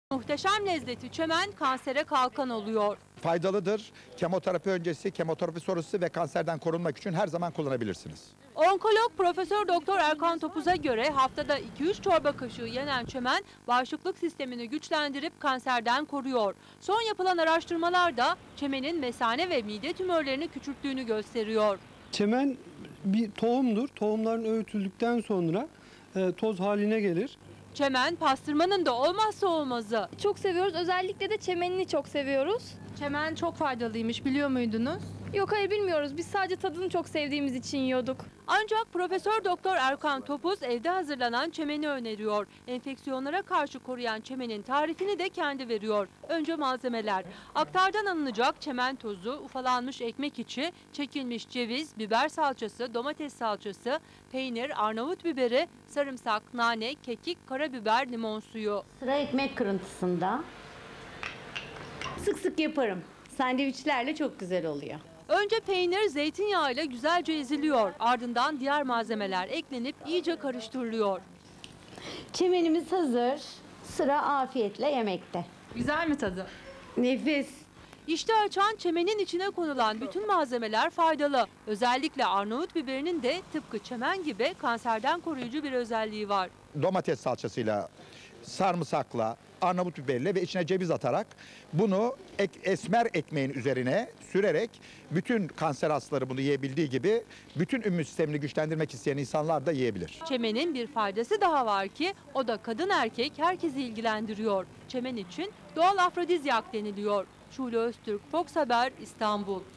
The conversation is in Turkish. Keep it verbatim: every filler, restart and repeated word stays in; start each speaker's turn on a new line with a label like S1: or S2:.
S1: Muhteşem lezzeti çemen kansere kalkan oluyor.
S2: Faydalıdır. Kemoterapi öncesi, kemoterapi sonrası ve kanserden korunmak için her zaman kullanabilirsiniz.
S1: Onkolog Profesör Doktor Erkan Topuz'a göre haftada iki üç çorba kaşığı yenen çemen bağışıklık sistemini güçlendirip kanserden koruyor. Son yapılan araştırmalarda çemenin mesane ve mide tümörlerini küçülttüğünü gösteriyor.
S3: Çemen bir tohumdur. Tohumların öğütüldükten sonra e, toz haline gelir.
S1: Çemen pastırmanın da olmazsa olmazı.
S4: Çok seviyoruz. Özellikle de çemenini çok seviyoruz.
S1: Çemen çok faydalıymış, biliyor muydunuz?
S4: Yok, hayır, bilmiyoruz. Biz sadece tadını çok sevdiğimiz için yiyorduk.
S1: Ancak Profesör Doktor Erkan Topuz evde hazırlanan çemeni öneriyor. Enfeksiyonlara karşı koruyan çemenin tarifini de kendi veriyor. Önce malzemeler: aktardan alınacak çemen tozu, ufalanmış ekmek içi, çekilmiş ceviz, biber salçası, domates salçası, peynir, Arnavut biberi, sarımsak, nane, kekik, karabiber, limon suyu.
S5: Sıra ekmek kırıntısında. Sık sık yaparım. Sandviçlerle çok güzel oluyor.
S1: Önce peynir zeytinyağıyla güzelce eziliyor. Ardından diğer malzemeler eklenip iyice karıştırılıyor.
S5: Çemenimiz hazır. Sıra afiyetle yemekte.
S1: Güzel mi tadı?
S5: Nefis.
S1: İşte açan çemenin içine konulan bütün malzemeler faydalı. Özellikle Arnavut biberinin de tıpkı çemen gibi kanserden koruyucu bir özelliği var.
S2: Domates salçasıyla, sarımsakla, Arnavut biberle ve içine ceviz atarak bunu ek, esmer ekmeğin üzerine sürerek bütün kanser hastaları bunu yiyebildiği gibi bütün immün sistemini güçlendirmek isteyen insanlar da yiyebilir.
S1: Çemenin bir faydası daha var ki o da kadın erkek herkesi ilgilendiriyor. Çemen için doğal afrodizyak deniliyor. Şule Öztürk, Fox Haber, İstanbul.